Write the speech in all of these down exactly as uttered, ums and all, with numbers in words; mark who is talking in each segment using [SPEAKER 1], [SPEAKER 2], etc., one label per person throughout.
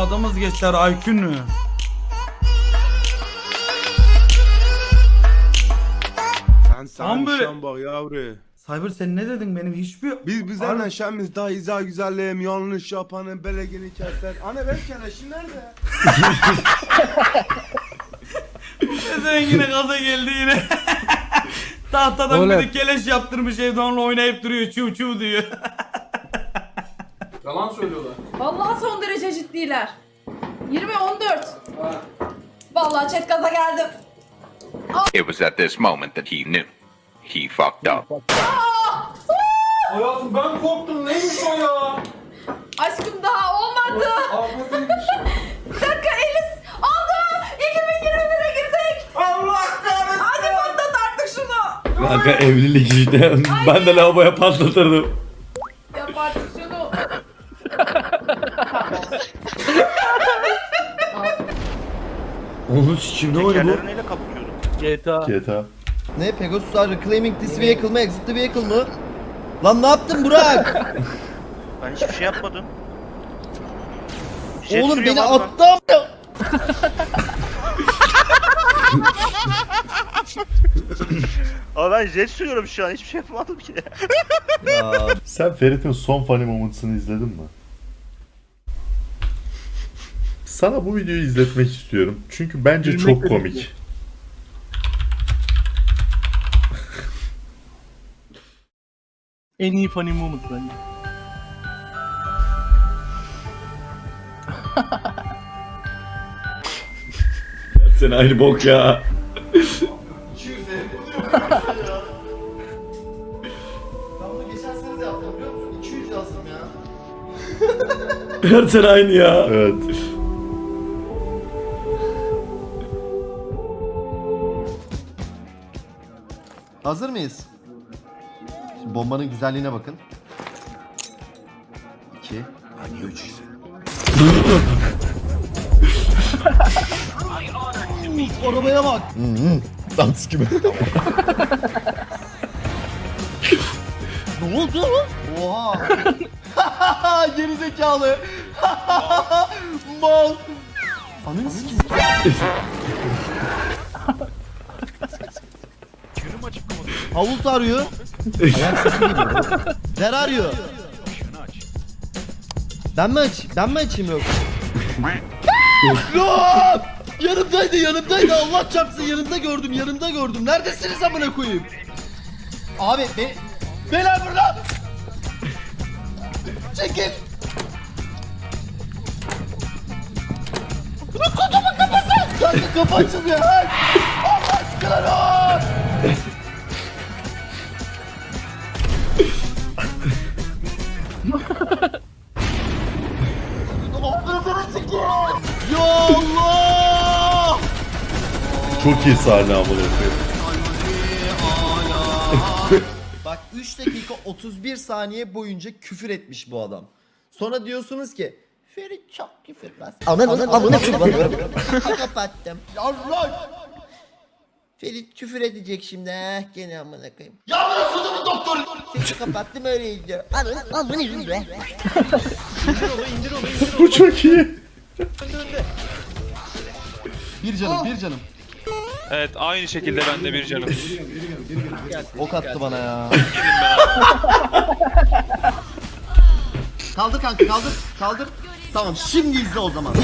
[SPEAKER 1] Tadımız geçer Aykün.
[SPEAKER 2] Sen
[SPEAKER 1] Tam
[SPEAKER 2] sen
[SPEAKER 1] böyle-
[SPEAKER 2] şan bak yavru.
[SPEAKER 1] Cyber sen ne dedin benim hiçbir...
[SPEAKER 2] Biz bizden şemiz daha izah güzelliğim yanlış yapanın belegini keser. Anne benim keleşim nerede?
[SPEAKER 1] Sen yine gaza geldi yine. Tahtadan
[SPEAKER 3] Oğlum.
[SPEAKER 1] bir de keleş yaptırmış evde onunla oynayıp duruyor çuv çuv diyor.
[SPEAKER 4] Yalan söylüyorlar.
[SPEAKER 5] Vallahi son derece ciddiler. yirmi on dört. Vallahi chat gaza geldim.
[SPEAKER 6] It was at this moment that he knew. He fucked up.
[SPEAKER 4] Hayatım ben korktum. Neymiş o ya?
[SPEAKER 5] Aşkım daha olmadı.
[SPEAKER 4] Ahmet'iymiş.
[SPEAKER 5] Bir dakika Elis. Oldu. iki bin yirmi bire girdik.
[SPEAKER 4] Allah kahretsin.
[SPEAKER 5] Hadi patlat artık şunu.
[SPEAKER 3] Kanka evlilik işte. Ben de lavaboya patlatırdım.
[SPEAKER 5] Yap artık şunu.
[SPEAKER 3] Onu sikim ne oyunu bu?
[SPEAKER 7] neyle kapatıyordum?
[SPEAKER 3] G T A. G T A.
[SPEAKER 8] Ne Pegasus are reclaiming this vehicle mı? Exit the vehicle mı? Lan ne yaptın Burak?
[SPEAKER 7] Ben hiçbir şey yapmadım. Jet
[SPEAKER 8] Oğlum
[SPEAKER 7] sürüyorum
[SPEAKER 8] beni
[SPEAKER 7] abi ben.
[SPEAKER 8] attı ama.
[SPEAKER 7] Ama ben jet sürüyorum şu an hiçbir şey yapmadım ki.
[SPEAKER 8] Ya
[SPEAKER 3] Sen Ferit'in son funny moments'ını izledin mi? Sana bu videoyu izletmek istiyorum. Çünkü bence çok komik.
[SPEAKER 9] En iyi funny moment bence.
[SPEAKER 3] Sen aynı bok ya.
[SPEAKER 8] ben bunu geçen sene de yaptım biliyor musun? iki yüz yazdım ya.
[SPEAKER 3] Her sene aynı ya. Evet.
[SPEAKER 8] Hazır mıyız? Şimdi bombanın güzelliğine bakın. İki. Arabaya bak. Hı hı. Dans gibi. Ne oldu? Oha. Geri zekalı. Mal. Ananı sikeyim.
[SPEAKER 7] Yürüm açık kapatıyorum.
[SPEAKER 8] Havult arıyor. Ayak sesi geliyor. Der arıyor.
[SPEAKER 7] Şunu aç.
[SPEAKER 8] Ben mi aç? Ben mi açayım yok? Lan! Yanımdaydı, yanımdaydı. Allah çarpsın yanımda gördüm, yanımda gördüm. Neredesiniz amına koyayım? Abi be Beyler burada. Çekil. Lan kutumun kapısı. Kanka kapı açılmıyor. Lan! Allah aşkına lan! Ya Allah!
[SPEAKER 3] Çok iyi sahne amına koyayım.
[SPEAKER 8] Bak üç dakika otuz bir saniye boyunca küfür etmiş bu adam. Sonra diyorsunuz ki Ferit çok küfürbaz. Ananın amına koyayım. Kapattım. Allah! Ferit küfür edecek şimdi. Eh gene amına koyayım. Ya amına koyayım doktor. Sesi kapattım öyleydi. Ananın amına koyayım.
[SPEAKER 3] Bu çok iyi.
[SPEAKER 8] Bir canım, bir canım.
[SPEAKER 10] Evet aynı şekilde ben de bir canım.
[SPEAKER 8] Ok attı bana ya. Kaldır kanka, kaldır, kaldır. Tamam, şimdi izle o zaman.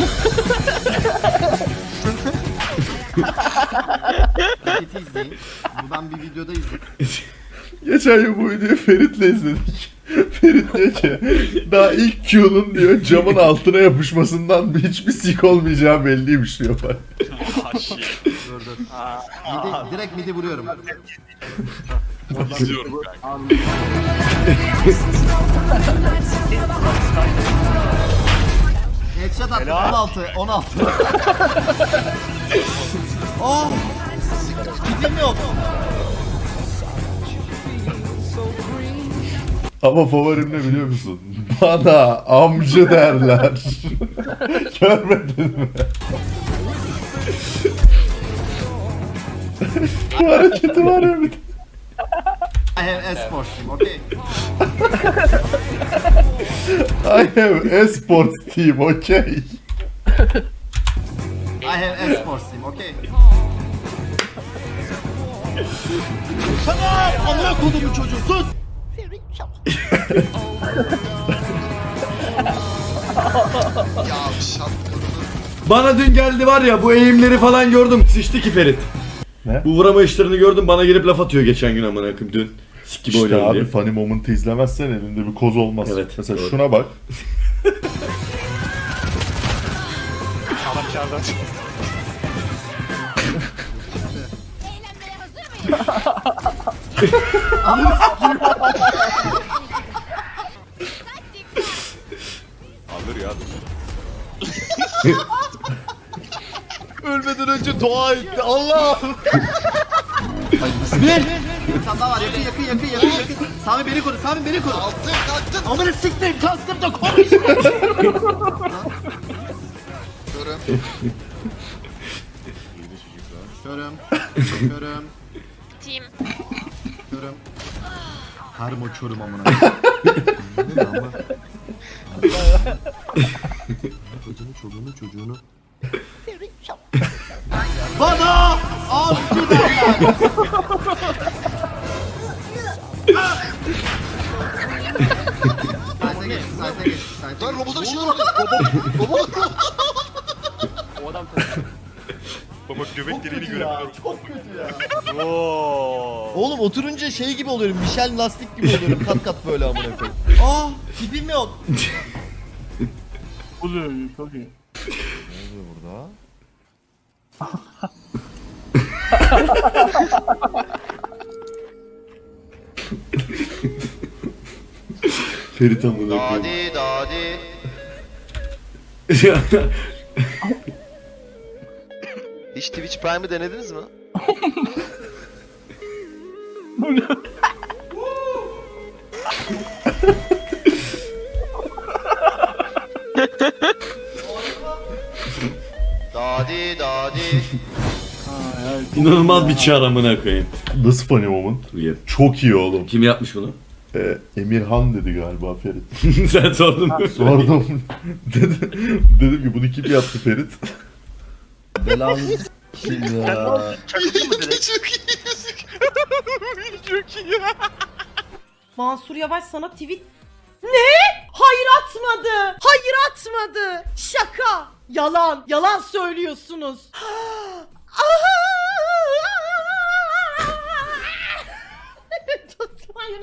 [SPEAKER 8] Hareketi izleyin. Buradan bir videoda izleyin.
[SPEAKER 3] Geçen gün bu videoyu Ferit'le izledik. Ferit diyor ki daha ilk Q'nun diyor camın altına yapışmasından hiçbir sik olmayacağı belliymiş diyor bak.
[SPEAKER 8] Dur dur. Midi, direkt midi vuruyorum.
[SPEAKER 10] İzliyorum kanka.
[SPEAKER 8] Headshot attım on altı, on altı. Oh! Gidim yok.
[SPEAKER 3] Ama favorim ne biliyor musun? Bana amca derler. Görmedin mi? Bu hareketi var ya bir de.
[SPEAKER 8] I have esports team, okay?
[SPEAKER 3] I have esports team, okay.
[SPEAKER 8] I have esports team, okay? Tamam! Amına kodumu çocuğu sus!
[SPEAKER 11] Bana dün geldi var ya bu eğimleri falan gördüm. Sıçtı ki Ferit.
[SPEAKER 3] Ne?
[SPEAKER 11] Bu vurama işlerini gördüm. Bana gelip laf atıyor geçen gün amına koyayım dün. Sik gibi
[SPEAKER 3] İşte
[SPEAKER 11] oynuyorum
[SPEAKER 3] abi
[SPEAKER 11] diye.
[SPEAKER 3] funny moment'ı izlemezsen elinde bir koz olmaz.
[SPEAKER 11] Evet,
[SPEAKER 3] Mesela
[SPEAKER 11] doğru.
[SPEAKER 3] şuna bak.
[SPEAKER 7] Adam çağırdı.
[SPEAKER 10] Alır ya.
[SPEAKER 8] Ölmeden önce dua etti. Allah! Bir! Bir tane daha var. Yakın yakın yakın yakın yakın. Sami beni koru. Sami beni koru. Kalktım kalktım. Amına siktir. Kalktım da konuşma. Körüm. Körüm. Körüm.
[SPEAKER 5] Team.
[SPEAKER 8] Körüm. Her mo körüm amına. Çocuğunu çocuğunu çocuğunu. Bana avcı derler. Sayta geç, sayta geç, sayta geç. Robotun işi var. Robot.
[SPEAKER 10] O adam Baba göbek deliğini
[SPEAKER 8] göremiyorum. Çok kötü ya. Oğlum oturunca şey gibi oluyorum. Michel lastik gibi oluyorum. Kat kat böyle amına koyayım. Aa, tipim yok.
[SPEAKER 9] Oluyor çok iyi.
[SPEAKER 3] Ne oluyor burada?
[SPEAKER 11] Ferit amına koyayım.
[SPEAKER 8] Dadi dadi. Hiç Twitch Prime'ı denediniz mi? Dadi dadi.
[SPEAKER 11] İnanılmaz bir çağır amına koyayım.
[SPEAKER 3] Nasıl funny moment?
[SPEAKER 11] Weird.
[SPEAKER 3] Çok iyi oğlum.
[SPEAKER 11] Kim yapmış bunu?
[SPEAKER 3] Ee, Emirhan dedi galiba Ferit.
[SPEAKER 11] Sen sordun mu?
[SPEAKER 3] Sordum. dedim, dedim ki bunu kim yaptı Ferit?
[SPEAKER 8] Belanı şimdi ya.
[SPEAKER 7] Çakılıyor mu direkt?
[SPEAKER 5] Mansur Yavaş sana tweet... Ne? Hayır atmadı. Hayır atmadı. Şaka. Yalan. Yalan söylüyorsunuz. Tutmayın.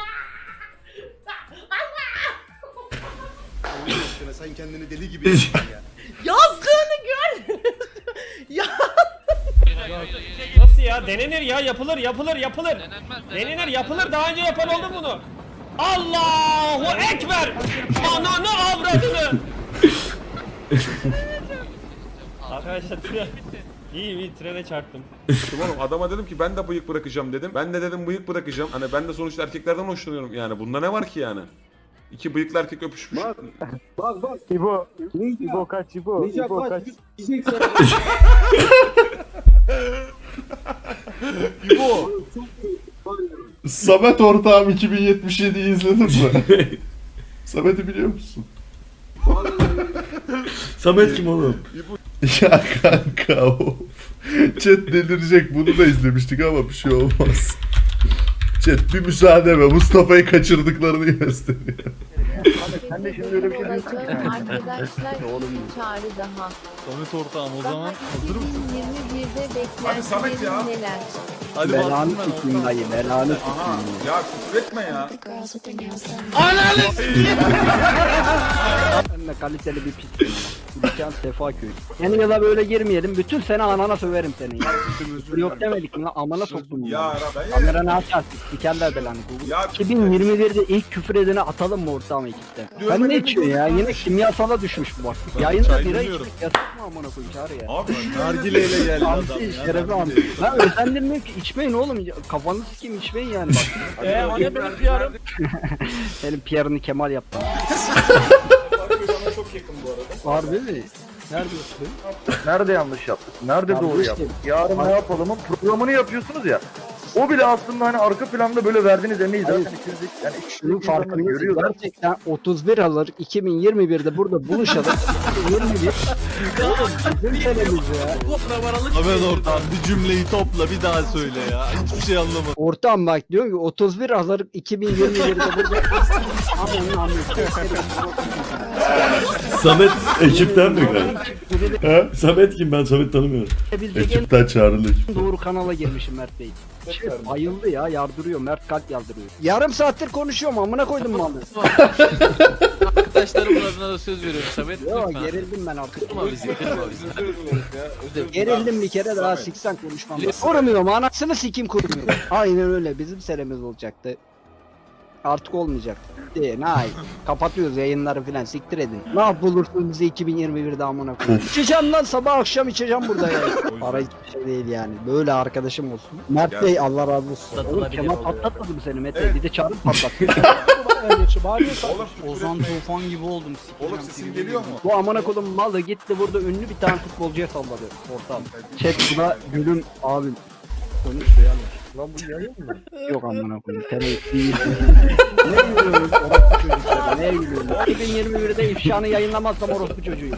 [SPEAKER 2] Sen kendini deli gibi yaptın ya.
[SPEAKER 5] Yazdığını gördünüz. Ya.
[SPEAKER 9] Nasıl ya? Denenir ya. Yapılır yapılır yapılır. Denenir yapılır. Daha önce yapan oldu bunu. Allahu Ekber. Ananı avradını. Arkadaşlar tren... İyi iyi trene çarptım.
[SPEAKER 10] Oğlum adama dedim ki ben de bıyık bırakacağım dedim. Ben de dedim bıyık bırakacağım. Hani ben de sonuçta erkeklerden hoşlanıyorum yani. Bunda ne var ki yani? İki bıyıklı erkek öpüşmüş.
[SPEAKER 2] Bak bak.
[SPEAKER 9] İbo. İbo kaç İbo. İbo kaç.
[SPEAKER 2] İbo.
[SPEAKER 3] Samet ortağım iki bin yetmiş yediyi izledin mi? Samet'i biliyor musun?
[SPEAKER 11] Samet kim oğlum?
[SPEAKER 3] Ya kanka of. Chat delirecek, bunu da izlemiştik ama bir şey olmaz. Chat bir müsaade ve Mustafa'yı kaçırdıklarını gösteriyor.
[SPEAKER 9] Sen de şimdi öyle bir şey diyorsun.
[SPEAKER 5] Arkadaşlar bir çağrı daha.
[SPEAKER 9] Samet ortağım o zaman hazır mısın?
[SPEAKER 5] iki bin yirmi birde
[SPEAKER 4] Hadi Samet ya.
[SPEAKER 5] beklentilerin neler?
[SPEAKER 9] Hadi
[SPEAKER 2] Belanı
[SPEAKER 9] bastım ben
[SPEAKER 2] sikeyim dayı, belanı sikeyim.
[SPEAKER 4] Ya küfretme ya.
[SPEAKER 2] Ben de kaliteli bir pistim ama. Dükkan Sefaköy. Yeni yıla böyle girmeyelim. Bütün sene anana söverim seni. Ya. Yok demedik mi lan? Amana soktum.
[SPEAKER 4] Ya Rabbi.
[SPEAKER 2] Kamera ne yapacağız? Sikerler belanı.
[SPEAKER 4] Ya
[SPEAKER 2] iki bin yirmi birde ilk küfür edene atalım mı ortağım ekipte? Sen ne içiyorsun ya? Yine kimyasala düşmüş bu bak. Yayında bira içmek yasak mı amına koyayım çağır ya?
[SPEAKER 4] Abi
[SPEAKER 2] Nargileyle geldi adam. Şerefi amca. Ben özendirmiyorum ki içmeyin oğlum. Kafanı sikeyim içmeyin yani bak.
[SPEAKER 9] Eee hani benim P R'ım?
[SPEAKER 2] Senin P R'ını Kemal yaptı.
[SPEAKER 9] Çok yakın bu arada.
[SPEAKER 2] Harbi mi? Nerede yaptın?
[SPEAKER 12] Nerede yanlış yaptık? Nerede
[SPEAKER 2] Ya bu
[SPEAKER 12] doğru
[SPEAKER 2] işte-
[SPEAKER 12] yaptık? Yarın ne yapalımın programını yapıyorsunuz ya.
[SPEAKER 2] O bile aslında hani arka planda böyle verdiğiniz emeği zaten ikiniz yani şunun farkını görüyor. Gerçekten otuz bir Aralık iki bin yirmi birde burada buluşalım. yirmi bir Oğlum bizim senemiz ya.
[SPEAKER 11] Ahmet ortam bir cümleyi topla bir daha söyle ya. Hiçbir şey anlamadım.
[SPEAKER 2] Ortam bak diyor ki otuz bir Aralık iki bin yirmi birde burada
[SPEAKER 3] Samet ekipten mi kanka? Ha?
[SPEAKER 11] Samet kim, ben Samet tanımıyorum.
[SPEAKER 2] Biz de en
[SPEAKER 3] Ekipten çağrıldık.
[SPEAKER 2] doğru kanala girmişim Mert Bey. Şey, bayıldı ya, yardırıyor. Mert kalp yardırıyor. Yarım saattir konuşuyorum, amına koydum malı.
[SPEAKER 11] Arkadaşlarım adına da söz veriyorum Samet.
[SPEAKER 2] Yo gerildim ben artık.
[SPEAKER 11] Kırma bizi, kırma bizi.
[SPEAKER 2] Gerildim bir kere daha siksen konuşmam. Kurumuyorum, anasını sikim kurumuyorum. Aynen öyle, bizim senemiz olacaktı. Artık olmayacak. Diye, nay. Kapatıyoruz yayınları filan, siktir edin. Ne yapılırsa bize iki bin yirmi birde amına koyayım. İçeceğim lan, sabah akşam içeceğim burada ya. Para hiçbir şey değil yani. Böyle arkadaşım olsun. Mert Bey Allah razı olsun. Oğlum Kemal patlatmadı mı seni Mete? Bir de çağırıp patlattı.
[SPEAKER 4] Ozan Tufan gibi oldum. Oğlum sesin geliyor mu?
[SPEAKER 2] Bu amına kodum malı gitti burada ünlü bir tane futbolcuya salladı ortam. Chat buna gülüm abim. Konuş be yanlış. Lan bu yayın mı? Yok amına koyayım. Terörist değil. Ne gülüyorsunuz orospu çocuklara? Ne gülüyorsunuz? iki bin yirmi birde ifşanı yayınlamazsam orospu çocuğuyum.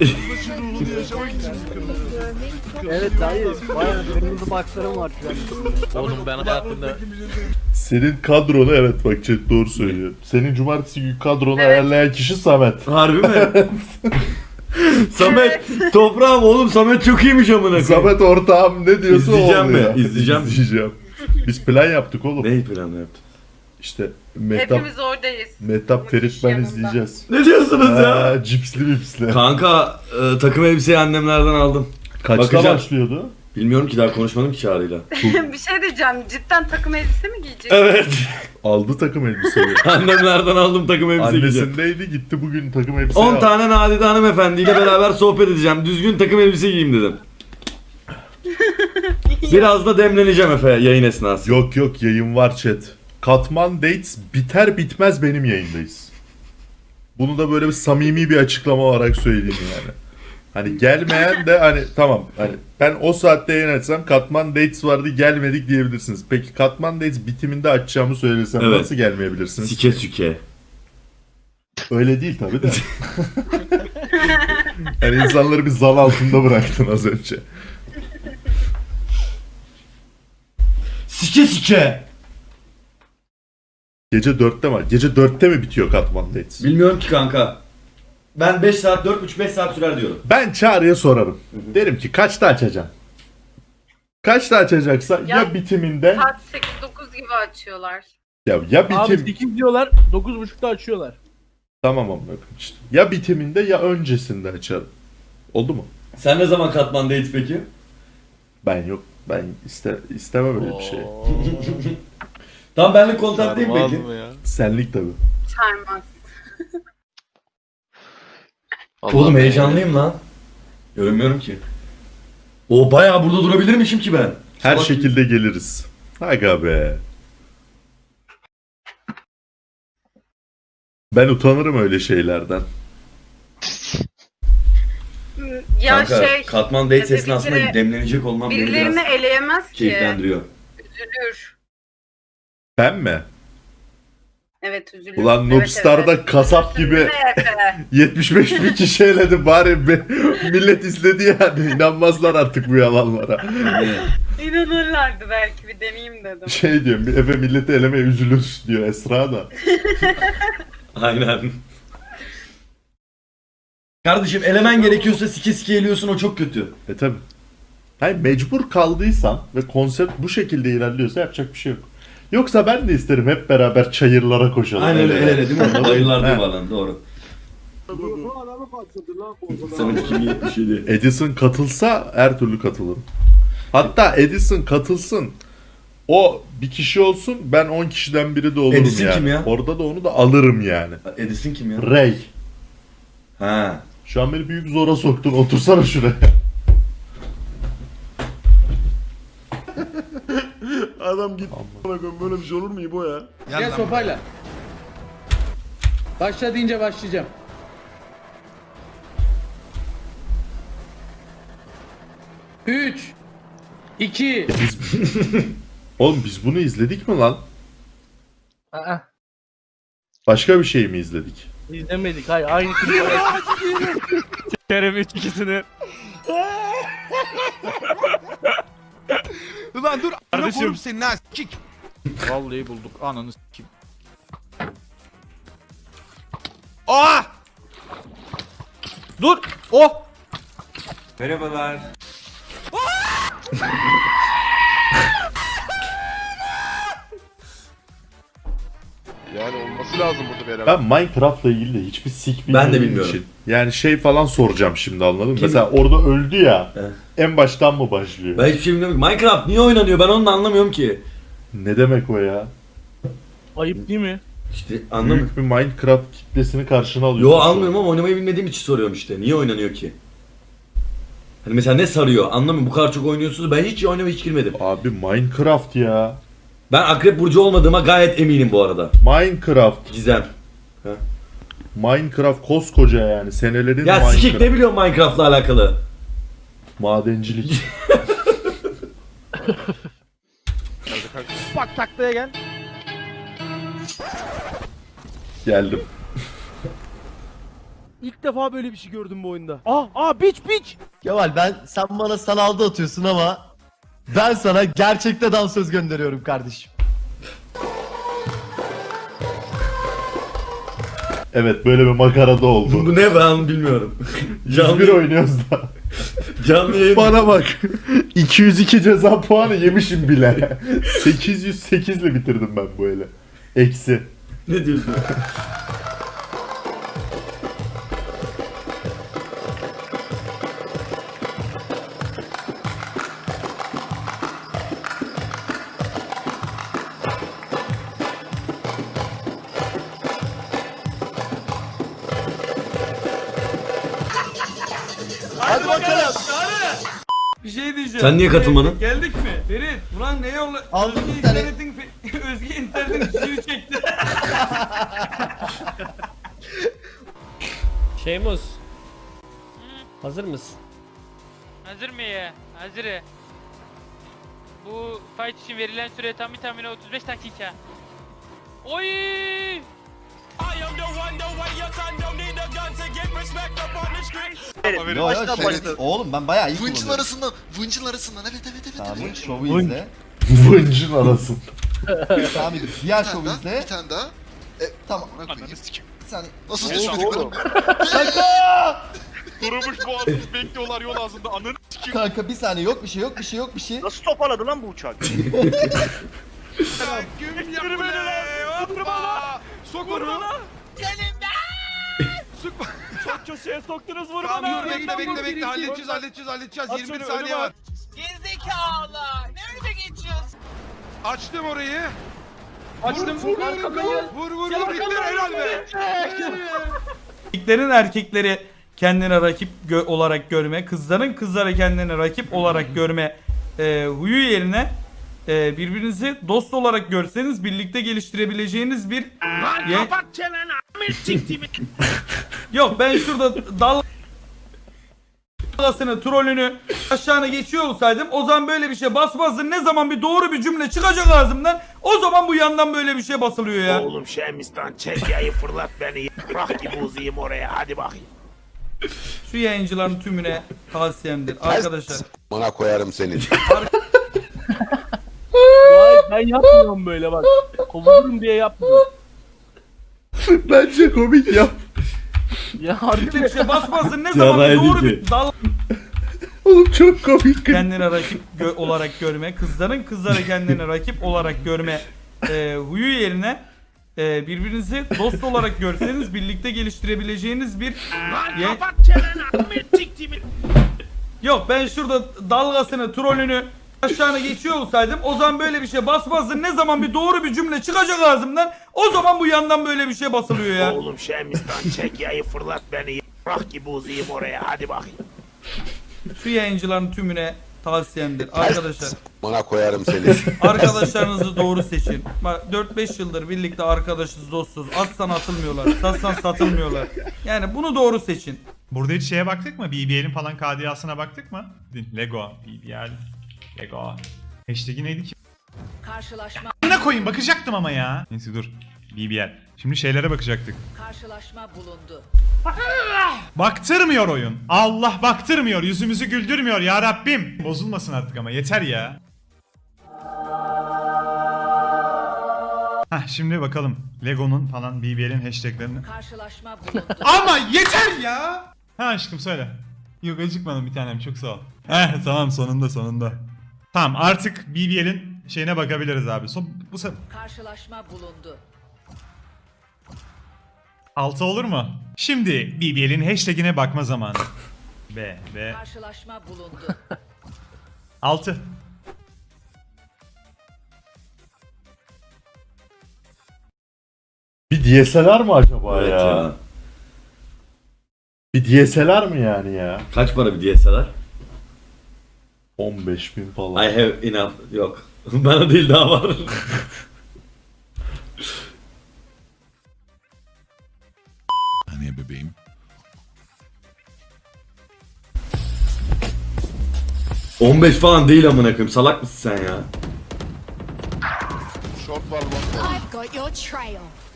[SPEAKER 2] Evet dayı. Bayağı kırmızı bakslarım var şu an.
[SPEAKER 11] Oğlum ben hayatımda...
[SPEAKER 3] Senin kadronu evet bak chat doğru söylüyor. Senin cumartesi günü kadronu ayarlayan kişi Samet.
[SPEAKER 11] Harbi mi? Samet, toprağım oğlum Samet çok iyiymiş amına koyayım.
[SPEAKER 3] Samet ortağım ne diyorsa o
[SPEAKER 11] İzleyeceğim mi?
[SPEAKER 3] oluyor.
[SPEAKER 11] İzleyeceğim.
[SPEAKER 3] İzleyeceğim. Biz plan yaptık oğlum.
[SPEAKER 11] Neyi planı yaptın?
[SPEAKER 3] İşte Mehtap,
[SPEAKER 5] Hepimiz oradayız.
[SPEAKER 3] Mehtap Ferit ben izleyeceğiz.
[SPEAKER 11] Ne diyorsunuz ya?
[SPEAKER 3] Ha, cipsli bipsli.
[SPEAKER 11] Kanka e, takım elbiseyi annemlerden aldım.
[SPEAKER 3] Kaçta
[SPEAKER 11] bakacağım.
[SPEAKER 3] başlıyordu?
[SPEAKER 11] Bilmiyorum ki, daha konuşmadım ki Çağrı'yla.
[SPEAKER 5] Bir şey diyeceğim. Cidden takım elbise mi giyecek?
[SPEAKER 11] Evet.
[SPEAKER 3] Aldı takım elbiseyi.
[SPEAKER 11] Annemlerden aldım takım elbise giyeceğim.
[SPEAKER 3] Annesindeydi gitti bugün takım elbise
[SPEAKER 11] on
[SPEAKER 3] aldı.
[SPEAKER 11] tane Nadide hanımefendiyle beraber sohbet edeceğim. Düzgün takım elbise giyeyim dedim. Biraz da demleneceğim Efe yayın esnası.
[SPEAKER 3] Yok yok yayın var chat. Katman Dates biter bitmez benim yayındayız. Bunu da böyle bir samimi bir açıklama olarak söyleyeyim yani. Hani gelmeyen de hani tamam hani ben o saatte yayın açsam Katman Dates vardı gelmedik diyebilirsiniz. Peki Katman Dates bitiminde açacağımı söylesem
[SPEAKER 11] Evet.
[SPEAKER 3] nasıl gelmeyebilirsiniz?
[SPEAKER 11] Sike süke.
[SPEAKER 3] Öyle değil tabii de. Yani insanları bir zan altında bıraktın az önce.
[SPEAKER 11] Sike sike.
[SPEAKER 3] Gece dörtte mi? Gece dörtte mi bitiyor Katman Dates?
[SPEAKER 11] Bilmiyorum ki kanka. Ben beş saat, dört buçuk beş saat sürer diyorum.
[SPEAKER 3] Ben Çağrı'ya sorarım. Derim ki kaçta açacaksın? Kaçta açacaksa ya,
[SPEAKER 5] Ya-
[SPEAKER 3] bitiminde
[SPEAKER 5] Saat sekiz dokuz gibi açıyorlar.
[SPEAKER 3] ya ya bitim
[SPEAKER 9] sekiz diyorlar, dokuz buçukta açıyorlar.
[SPEAKER 3] tamam amına koyayım işte. Ya bitiminde ya öncesinde açarım. Oldu mu?
[SPEAKER 11] Sen ne zaman Katman'dayız peki?
[SPEAKER 3] Ben yok. Ben iste istemem öyle bir şey.
[SPEAKER 11] Tam benlik kontak değil mi peki?
[SPEAKER 3] Senlik tabii.
[SPEAKER 5] Sarmaz.
[SPEAKER 11] Oğlum heyecanlıyım lan. Görünmüyorum ki. O bayağı burada durabilirmişim ki ben.
[SPEAKER 3] Her
[SPEAKER 11] Salak
[SPEAKER 3] şekilde geliriz. Aga be. Ben utanırım öyle şeylerden.
[SPEAKER 5] Ya
[SPEAKER 11] Kanka,
[SPEAKER 5] şey
[SPEAKER 11] Katman Dates
[SPEAKER 5] ya
[SPEAKER 11] esnasında
[SPEAKER 5] dedikleri-
[SPEAKER 11] demlenecek olmam beni
[SPEAKER 5] birilerini
[SPEAKER 11] biraz
[SPEAKER 5] eleyemez ki.
[SPEAKER 11] keyiflendiriyor.
[SPEAKER 5] Üzülür.
[SPEAKER 3] Ben mi?
[SPEAKER 5] Evet üzülür.
[SPEAKER 3] Ulan
[SPEAKER 5] Evet,
[SPEAKER 3] Noobstar'da
[SPEAKER 5] evet.
[SPEAKER 3] kasap gibi
[SPEAKER 5] Üzülür Efe.
[SPEAKER 3] yetmiş beş bin kişi eledi bari be. Millet izledi yani. İnanmazlar artık bu yalanlara.
[SPEAKER 5] İnanırlardı belki, bir deneyeyim dedim.
[SPEAKER 3] Şey diyorum bir Efe milleti elemeye üzülür diyor Esra da.
[SPEAKER 11] Aynen. Kardeşim elemen gerekiyorsa sike sike eliyorsun, o çok kötü.
[SPEAKER 3] E tabi. Hayır mecbur kaldıysan ve konsept bu şekilde ilerliyorsa yapacak bir şey yok. Yoksa ben de isterim hep beraber çayırlara koşalım.
[SPEAKER 11] Aynen öyle, el ele değil mi?
[SPEAKER 3] Anladın mı?
[SPEAKER 11] Ayırlar diyor
[SPEAKER 3] He.
[SPEAKER 11] bana, doğru. Samet iki bin yetmiş yedi.
[SPEAKER 3] Edison katılsa her türlü katılırım. Hatta Edison katılsın. O bir kişi olsun, ben on kişiden biri de olurum
[SPEAKER 11] Edison
[SPEAKER 3] yani.
[SPEAKER 11] kim ya?
[SPEAKER 3] Orada da onu da alırım yani.
[SPEAKER 11] Edison kim ya?
[SPEAKER 3] Ray.
[SPEAKER 11] Ha.
[SPEAKER 3] Şu an beni büyük zora soktun. Otursana şuraya.
[SPEAKER 10] Adam git. Böyle bir şey olur mu İbo ya?
[SPEAKER 9] Gel sopayla. Başla deyince başlayacağım. üç iki
[SPEAKER 3] Oğlum biz bunu izledik mi lan?
[SPEAKER 9] Aa,
[SPEAKER 3] Başka bir şey mi izledik?
[SPEAKER 9] izlemedik. Hayır aynı klibi. Sikerim üç ikisini.
[SPEAKER 4] Ulan dur.
[SPEAKER 9] Kardeşim.
[SPEAKER 4] Senin ha kik. Vallahi bulduk. Ananı s**kim. Aa!
[SPEAKER 9] Dur. Oh.
[SPEAKER 10] Yani olması lazım burada beraber.
[SPEAKER 3] Ben Minecraft'la ilgili de hiçbir sik
[SPEAKER 11] Ben de
[SPEAKER 3] bilmediğim
[SPEAKER 11] bilmiyorum.
[SPEAKER 3] için. Yani şey falan soracağım şimdi, anladın mı?
[SPEAKER 11] Kim?
[SPEAKER 3] Mesela orada öldü ya.
[SPEAKER 11] Evet.
[SPEAKER 3] En baştan mı başlıyor?
[SPEAKER 11] Ben hiçbir şey bilmiyorum. Minecraft niye oynanıyor? Ben onu da anlamıyorum ki.
[SPEAKER 3] Ne demek o ya?
[SPEAKER 9] Ayıp değil mi?
[SPEAKER 11] İşte anlamıyorum.
[SPEAKER 3] Büyük bir Minecraft kitlesini karşına alıyor.
[SPEAKER 11] Yo almıyorum ama oynamayı bilmediğim için soruyorum işte. Niye oynanıyor ki? Hani mesela ne sarıyor? Anlamıyorum. Bu kadar çok oynuyorsunuz. Ben hiç oynamaya hiç girmedim.
[SPEAKER 3] Abi Minecraft ya.
[SPEAKER 11] Ben Akrep Burcu olmadığıma gayet eminim bu arada.
[SPEAKER 3] Minecraft.
[SPEAKER 11] Gizem.
[SPEAKER 3] Minecraft koskoca yani. Senelerin
[SPEAKER 11] Ya
[SPEAKER 3] Minecraft.
[SPEAKER 11] sikik ne biliyorsun Minecraft'la alakalı?
[SPEAKER 3] Madencilik.
[SPEAKER 9] Bak taklaya gel.
[SPEAKER 3] Geldim.
[SPEAKER 9] İlk defa böyle bir şey gördüm bu oyunda. Aa, aa biç biç.
[SPEAKER 8] Kemal ben sen bana sanalda atıyorsun ama ben sana gerçekte dansöz gönderiyorum kardeşim.
[SPEAKER 3] Evet, böyle bir makarada oldu.
[SPEAKER 11] Bu ne ben bilmiyorum.
[SPEAKER 3] Biz bir
[SPEAKER 11] canlı,
[SPEAKER 3] oynuyoruz da.
[SPEAKER 11] canlı yayın.
[SPEAKER 3] Bana bak. iki yüz iki ceza puanı yemişim bile. sekiz yüz sekiz ile bitirdim ben bu ele. Eksi.
[SPEAKER 11] Ne diyorsun?
[SPEAKER 1] Hadi bakalım. Bir şey diyeceğim.
[SPEAKER 11] Sen niye katılmadın?
[SPEAKER 1] Geldik mi? Ferit, ulan ne yolla?
[SPEAKER 8] Aldım
[SPEAKER 1] Özge
[SPEAKER 8] bir tane.
[SPEAKER 1] internetin, fe- Özge internetin suyu çekti.
[SPEAKER 9] Şeymuz. Hazır mısın?
[SPEAKER 12] Hazır mı ya? Hazır. Bu fight için verilen süre tam bir tahmini otuz beş dakika. Oy!
[SPEAKER 7] Verin.
[SPEAKER 8] Yo yo
[SPEAKER 7] Baştan
[SPEAKER 8] şey,
[SPEAKER 7] başla.
[SPEAKER 8] oğlum ben bayağı iyi
[SPEAKER 4] Vıncın
[SPEAKER 8] kullanıyorum.
[SPEAKER 4] arasından. Vıncın arasından. Evet evet evet.
[SPEAKER 8] Tamam
[SPEAKER 4] evet.
[SPEAKER 8] şovu
[SPEAKER 9] Vınc.
[SPEAKER 8] izle.
[SPEAKER 3] Vıncın arasın.
[SPEAKER 8] Tamam diğer
[SPEAKER 4] Bir
[SPEAKER 8] şovu
[SPEAKER 4] tane daha.
[SPEAKER 8] izle.
[SPEAKER 4] Bir tane daha. E,
[SPEAKER 8] Tamam. Bir saniye.
[SPEAKER 4] Nasıl
[SPEAKER 7] Oğlum,
[SPEAKER 4] düşmedik
[SPEAKER 7] oğlum.
[SPEAKER 10] Durmuş boğazımız bekliyorlar yol ağzında. Ananı sikeyim.
[SPEAKER 8] Kanka bir saniye yok bir şey yok bir şey yok bir şey.
[SPEAKER 7] Nasıl toparladı lan bu uçak?
[SPEAKER 10] Gün yapma. Hoppa. Sok onu.
[SPEAKER 9] Çok köşeye soktunuz vurma.
[SPEAKER 4] Tamam dur bekle bekle bekle. Halledeceğiz halledeceğiz halledeceğiz.
[SPEAKER 9] At
[SPEAKER 4] yirmi bir
[SPEAKER 9] şunu,
[SPEAKER 4] saniye
[SPEAKER 9] önüme
[SPEAKER 4] var.
[SPEAKER 5] Gerizekalı. Nerede geçiyorsun?
[SPEAKER 4] Açtım orayı.
[SPEAKER 9] Açtım
[SPEAKER 4] Vur,
[SPEAKER 9] vur arkayı.
[SPEAKER 4] Vur vur vur. Bitti helal be.
[SPEAKER 1] Erkeklerin erkekleri kendine rakip gö- olarak görme, kızların kızlara kendine rakip olarak görme e, huyu yerine e, birbirinizi dost olarak görseniz birlikte geliştirebileceğiniz bir Ye- Yok ben şurada dalgasını, trolünü aşağına geçiyor olsaydım o zaman böyle bir şey basmazdın. Ne zaman bir doğru bir cümle çıkacak ağzımdan o zaman bu yandan böyle bir şey basılıyor ya.
[SPEAKER 9] Oğlum Şemistan çek yayı fırlat beni. Bırak gibi uzayım oraya hadi bakayım.
[SPEAKER 1] Şu yayıncıların tümüne tavsiyemdir arkadaşlar.
[SPEAKER 6] Bana koyarım seni.
[SPEAKER 9] Vay ben yapmıyorum böyle bak. Kovulurum diye yapmıyorum.
[SPEAKER 3] Bence komik ya.
[SPEAKER 9] Ya harbi
[SPEAKER 1] Böyle bir şey basmazdın. Ne zaman bir
[SPEAKER 11] Yaraydı
[SPEAKER 1] doğru
[SPEAKER 11] ki.
[SPEAKER 1] bir dal
[SPEAKER 3] Oğlum çok komik.
[SPEAKER 1] kendine rakip gö- olarak görme, kızların kızlara kendine rakip olarak görme e, huyu yerine e, birbirinizi dost olarak görseniz birlikte geliştirebileceğiniz bir Ye- Yok ben şurada dalgasını, trolünü aşağına geçiyor olsaydım o zaman böyle bir şey basmazdın. Ne zaman bir doğru bir cümle çıkacak ağzımdan o zaman bu yandan böyle bir şey basılıyor ya.
[SPEAKER 9] Oğlum Şemistan çek yayı fırlat beni. Bırak gibi uzayım oraya hadi bakayım.
[SPEAKER 1] Şu yayıncıların tümüne tavsiyemdir arkadaşlar.
[SPEAKER 6] Bana koyarım seni.
[SPEAKER 1] Arkadaşlarınızı doğru seçin. Bak dört beş yıldır birlikte arkadaşız, dostuz. Atsan atılmıyorlar, satsan satılmıyorlar. Yani bunu doğru seçin.
[SPEAKER 10] Burada hiç şeye baktık mı? B B L'in falan K D A'sına baktık mı? Lego, B B L, Lego. Hashtag'i neydi ki?
[SPEAKER 5] Karşılaşma
[SPEAKER 13] Ne koyayım bakacaktım ama ya. Neyse dur. B B L. Şimdi şeylere bakacaktık.
[SPEAKER 5] karşılaşma bulundu.
[SPEAKER 13] Baktırmıyor oyun. Allah baktırmıyor. Yüzümüzü güldürmüyor ya Rabbim. Bozulmasın artık ama yeter ya. Hah şimdi bakalım. Lego'nun falan B B L'in hashtaglerini.
[SPEAKER 5] Karşılaşma bulundu.
[SPEAKER 13] Ama yeter ya. Ha aşkım söyle. Yok acıkmadım bir tanem çok sağ ol. Heh tamam sonunda sonunda. Tamam artık B B L'in şeyine bakabiliriz abi. Son, bu sefer
[SPEAKER 5] Karşılaşma bulundu.
[SPEAKER 13] altı olur mu? Şimdi B B L'in hashtagine bakma zamanı. B, B.
[SPEAKER 5] Karşılaşma bulundu.
[SPEAKER 13] altı.
[SPEAKER 3] Bir D S L R mı acaba
[SPEAKER 11] Evet
[SPEAKER 3] ya?
[SPEAKER 11] ya.
[SPEAKER 3] Bir D S L R mı yani ya?
[SPEAKER 11] Kaç para bir D S L R?
[SPEAKER 3] on beş bin falan.
[SPEAKER 11] I have enough. Yok. Bana değil daha var.
[SPEAKER 4] Hani bebeğim.
[SPEAKER 11] on beş falan değil amına koyayım. Salak mısın sen ya?
[SPEAKER 4] Short var lan.
[SPEAKER 5] I've got your trail.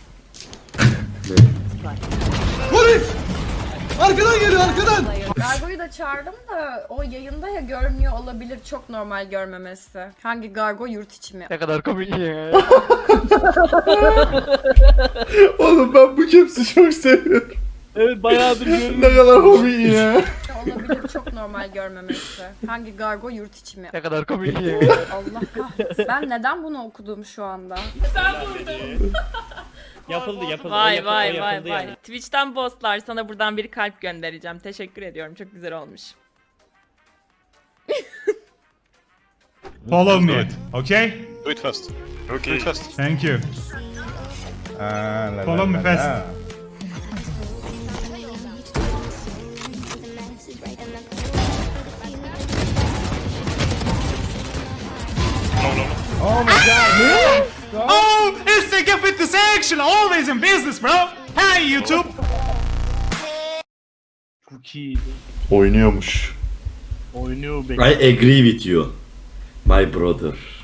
[SPEAKER 14] Gargo'yu da çağırdım da o yayında ya görmüyor olabilir, çok normal görmemesi. Hangi Gargo, yurt içi mi?
[SPEAKER 12] Ne kadar komik ya.
[SPEAKER 3] Oğlum ben bu caps'i çok seviyorum.
[SPEAKER 12] Evet bayağıdır görüyorum.
[SPEAKER 3] Ne kadar hobi ya.
[SPEAKER 14] Olabilir, çok normal görmemesi. Hangi Gargo, yurt içi mi?
[SPEAKER 12] Ne kadar komik ya.
[SPEAKER 14] Allah kahretsin. Ben neden bunu okudum şu anda?
[SPEAKER 9] Yapıldı yapıldı. o
[SPEAKER 12] Vay
[SPEAKER 9] yapıldı, o
[SPEAKER 12] vay vay
[SPEAKER 9] yapıldı
[SPEAKER 12] vay.
[SPEAKER 9] yani.
[SPEAKER 12] Twitch'ten bosslar, sana buradan bir kalp göndereceğim. Teşekkür ediyorum. Çok güzel olmuş.
[SPEAKER 13] Follow me. Okay?
[SPEAKER 4] Do it fast. Okay. Do it fast.
[SPEAKER 13] Thank you. Follow me fast. Oh, it's the Get Fit Action, always in business, bro. Hey YouTube.
[SPEAKER 9] Çok iyi.
[SPEAKER 3] Oynuyormuş.
[SPEAKER 9] Oynuyor
[SPEAKER 11] I agree with you. My brother.